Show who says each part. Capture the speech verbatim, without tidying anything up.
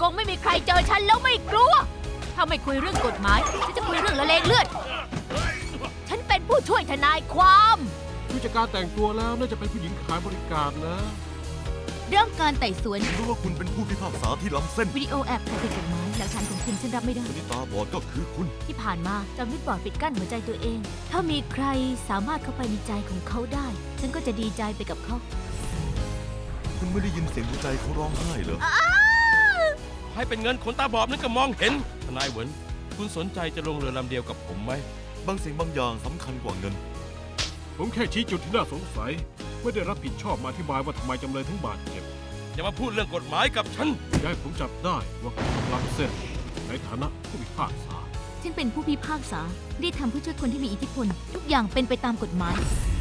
Speaker 1: งไม่มีใครเจอฉันแล้วไม่กลัว ถ้าไม่คุยเรื่องกฎหมายฉันจะคุยเรื่องละเลงเลือด ฉันเป็นผู้ช่วยทนายความ
Speaker 2: ผู้จัดการแต่งตัวแล้วน่าจะเป็นผู้หญิงขายบริการนะ
Speaker 1: เรื่องการไต่สวน
Speaker 3: รู้ว่าคุณเป็นผู้พิพากษาที่ล้ำเส้น
Speaker 1: วิดีโอแอบถ่ายผิดกฎหมายหลักฐานของคุณฉันรับไม่ได้
Speaker 3: คนที่ตาบอดก็คือคุณ
Speaker 1: ที่ผ่านมาจำวิดบอร์ดปิดกั้นหัวใจตัวเอง ถ้ามีใครสามารถเข้าไปในใจของเขาได้ ฉันก็จะดีใจไปกับเขา
Speaker 3: คุณไม่ได้ยินเสียงหัวใจเขาร้องไห้เหรอ
Speaker 4: ให้เป็นเงินคนตาบอดนั่นก็มองเห็น ทนายเหวินคุณสนใจจะลงเรือลำเดียวกับผมไหม
Speaker 3: บางสิ่งบางอย่างสำคัญกว่าเงิน
Speaker 2: ผมแค่ชี้จุดที่น่าสงสัย ไม่ได้รับผิดชอบมาอธิบายว่าทำไมจำเลยถึงบาดเจ็บ
Speaker 4: อย่ามาพูดเรื่องกฎหมายกับฉัน
Speaker 2: อย่าให้ผมจับได้ว่าคุณกำลังเส้น ในฐานะผู้พิพากษา
Speaker 1: ฉันเป็นผู้พิพากษาได้ทำเพื่อช่วยคนที่มีอิทธิพล ทุกอย่างเป็นไปตามกฎหมาย